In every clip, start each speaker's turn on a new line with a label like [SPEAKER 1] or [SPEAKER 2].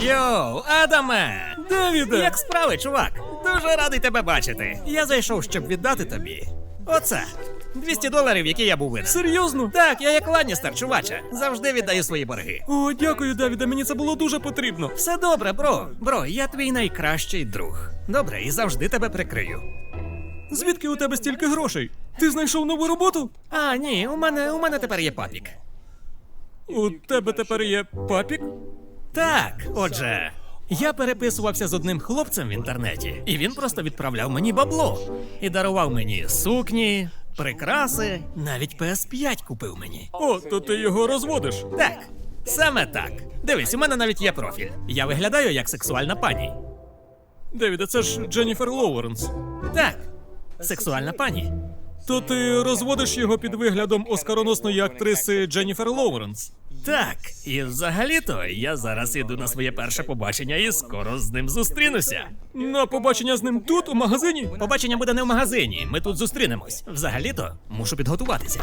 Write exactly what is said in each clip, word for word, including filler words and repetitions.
[SPEAKER 1] Йоу, Адаме!
[SPEAKER 2] Девіде!
[SPEAKER 1] Як справи, чувак? Дуже радий тебе бачити. Я зайшов, щоб віддати тобі. Оце. двісті доларів, які я був винен.
[SPEAKER 2] Серйозно?
[SPEAKER 1] Так, я як Ланністер, чуваче. Завжди віддаю свої борги.
[SPEAKER 2] О, дякую, Девіде, мені це було дуже потрібно.
[SPEAKER 1] Все добре, бро. Бро, я твій найкращий друг. Добре, і завжди тебе прикрию.
[SPEAKER 2] Звідки у тебе стільки грошей? Ти знайшов нову роботу?
[SPEAKER 1] А, ні, у мене, у мене тепер є папік.
[SPEAKER 2] У тебе тепер є папік?
[SPEAKER 1] Так, отже, я переписувався з одним хлопцем в інтернеті, і він просто відправляв мені бабло. І дарував мені сукні, прикраси, навіть пі ес п'ять купив мені.
[SPEAKER 2] О, то ти його розводиш.
[SPEAKER 1] Так, саме так. Дивись, у мене навіть є профіль. Я виглядаю як сексуальна пані.
[SPEAKER 2] Девіде, це ж Дженніфер Лоуренс.
[SPEAKER 1] Так, сексуальна пані.
[SPEAKER 2] То ти розводиш його під виглядом оскароносної актриси Дженніфер Лоуренс.
[SPEAKER 1] Так, і взагалі-то я зараз іду на своє перше побачення і скоро з ним зустрінуся.
[SPEAKER 2] На побачення з ним тут, у магазині?
[SPEAKER 1] Побачення буде не в магазині, ми тут зустрінемось. Взагалі-то мушу підготуватися.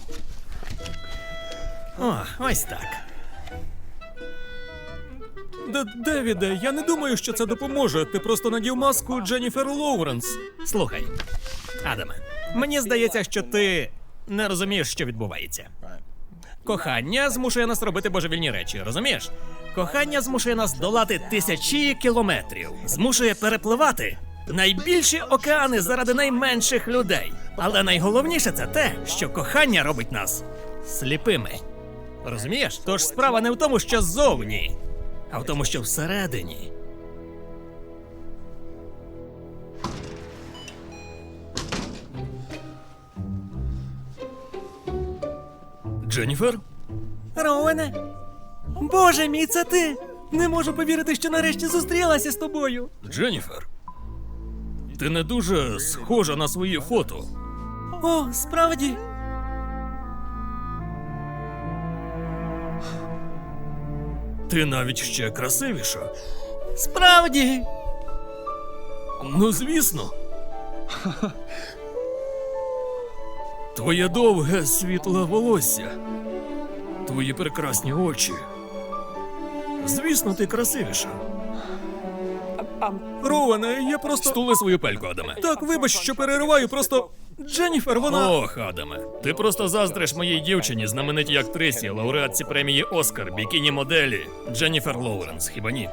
[SPEAKER 1] О, ось так.
[SPEAKER 2] Д Девіде, я не думаю, що це допоможе. Ти просто надів маску Дженніфер Лоуренс.
[SPEAKER 1] Слухай, Адаме, мені здається, що ти не розумієш, що відбувається. Кохання змушує нас робити божевільні речі, розумієш? Кохання змушує нас долати тисячі кілометрів, змушує перепливати найбільші океани заради найменших людей. Але найголовніше це те, що кохання робить нас сліпими. Розумієш? Тож справа не в тому, що ззовні, а в тому, що всередині.
[SPEAKER 2] Дженніфер?
[SPEAKER 1] Роуене? Боже мій, це ти! Не можу повірити, що нарешті зустрілася з тобою.
[SPEAKER 2] Дженніфер? Ти не дуже схожа на свої фото.
[SPEAKER 1] О, справді?
[SPEAKER 2] Ти навіть ще красивіша.
[SPEAKER 1] Справді?
[SPEAKER 2] Ну, звісно. Твоє довге світле волосся. Твої прекрасні очі. Звісно, ти красивіша. Роуене, я просто...
[SPEAKER 1] Стули свою пельку, Адаме.
[SPEAKER 2] Так, вибач, що перериваю, просто... Дженніфер, вона...
[SPEAKER 1] Ох, Адаме, ти просто заздриш моїй дівчині, знаменитій актрисі, лауреатці премії Оскар, бікіні-моделі Дженніфер Лоуренс, хіба ні?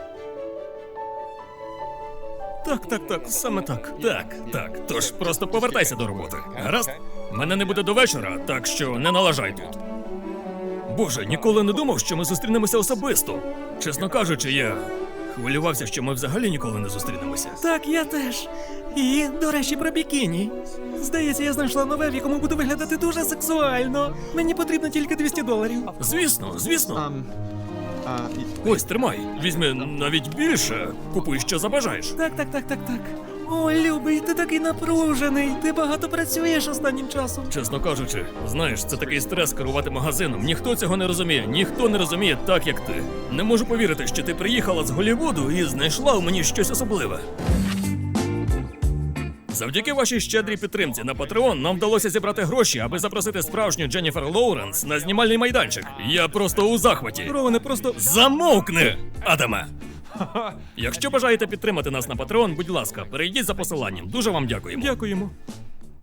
[SPEAKER 2] Так, так, так, саме так.
[SPEAKER 1] Так, так, тож просто повертайся до роботи, гаразд? Мене не буде до вечора, так що не налажай тут.
[SPEAKER 2] Боже, ніколи не думав, що ми зустрінемося особисто.
[SPEAKER 1] Чесно кажучи, я хвилювався, що ми взагалі ніколи не зустрінемося.
[SPEAKER 2] Так, я теж. І, до речі, про бікіні. Здається, я знайшла нове, в якому буду виглядати дуже сексуально. Мені потрібно тільки двісті доларів.
[SPEAKER 1] Звісно, звісно.
[SPEAKER 3] Um, uh,
[SPEAKER 1] Ось, тримай. Візьми навіть більше. Купуй, що забажаєш.
[SPEAKER 2] Так, так, так, так, так. О, любий, ти такий напружений. Ти багато працюєш останнім часом.
[SPEAKER 1] Чесно кажучи, знаєш, це такий стрес керувати магазином. Ніхто цього не розуміє, ніхто не розуміє так, як ти. Не можу повірити, що ти приїхала з Голлівуду і знайшла у мені щось особливе. Завдяки вашій щедрій підтримці на Patreon нам вдалося зібрати гроші, аби запросити справжню Дженніфер Лоуренс на знімальний майданчик. Я просто у захваті.
[SPEAKER 2] Роуене, просто...
[SPEAKER 1] Замовкни, Адаме! Якщо бажаєте підтримати нас на Patreon, будь ласка, перейдіть за посиланням. Дуже вам дякуємо.
[SPEAKER 2] Дякуємо.